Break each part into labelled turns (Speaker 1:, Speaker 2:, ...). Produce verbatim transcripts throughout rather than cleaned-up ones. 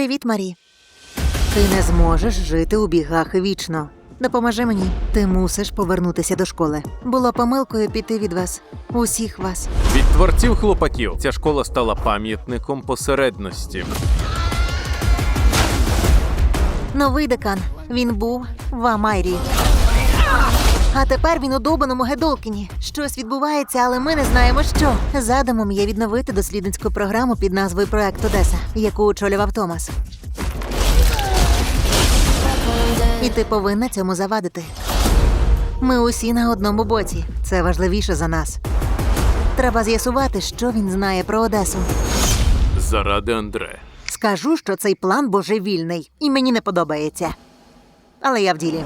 Speaker 1: Привіт, Марі. Ти не зможеш жити у бігах вічно. Допоможи мені. Ти мусиш повернутися до школи. Було помилкою піти від вас. Усіх вас.
Speaker 2: Від творців «Хлопаків» ця школа стала пам'ятником посередності.
Speaker 1: Новий декан. Він був в Амайрі. А тепер він у довбаному Гедолкіні. Щось відбувається, але ми не знаємо, що. Задумом є відновити дослідницьку програму під назвою «Проект Одеса», яку очолював Томас. І ти повинна цьому завадити. Ми усі на одному боці. Це важливіше за нас. Треба з'ясувати, що він знає про Одесу.
Speaker 2: Заради Андре.
Speaker 1: Скажу, що цей план божевільний, і мені не подобається. Але я в ділі.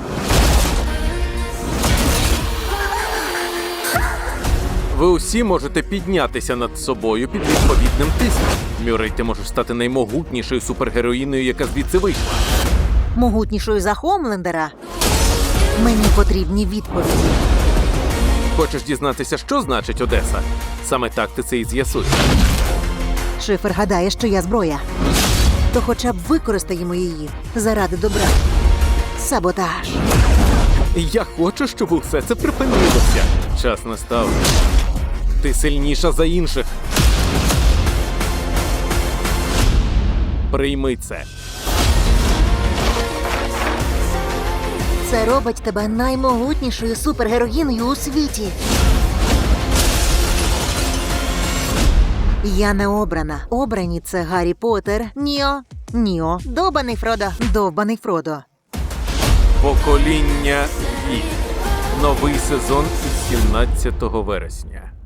Speaker 2: Ви усі можете піднятися над собою під відповідним тиском. Мюррей, ти можеш стати наймогутнішою супергероїною, яка звідси вийшла.
Speaker 1: Могутнішою за Хомлендера. Мені потрібні відповіді.
Speaker 2: Хочеш дізнатися, що значить Одеса? Саме так ти це і з'ясуєш.
Speaker 1: Шифер гадає, що я зброя. То хоча б використаємо її заради добра. Саботаж.
Speaker 2: Я хочу, щоб усе це припинилося. Час настав. Ти сильніша за інших. Прийми це.
Speaker 1: Це робить тебе наймогутнішою супергероїною у світі. Я не обрана. Обрані – це Гаррі Поттер, Ніо, Ніо, довбаний Фродо, довбаний Фродо.
Speaker 2: Покоління І. Новий сезон із сімнадцятого вересня.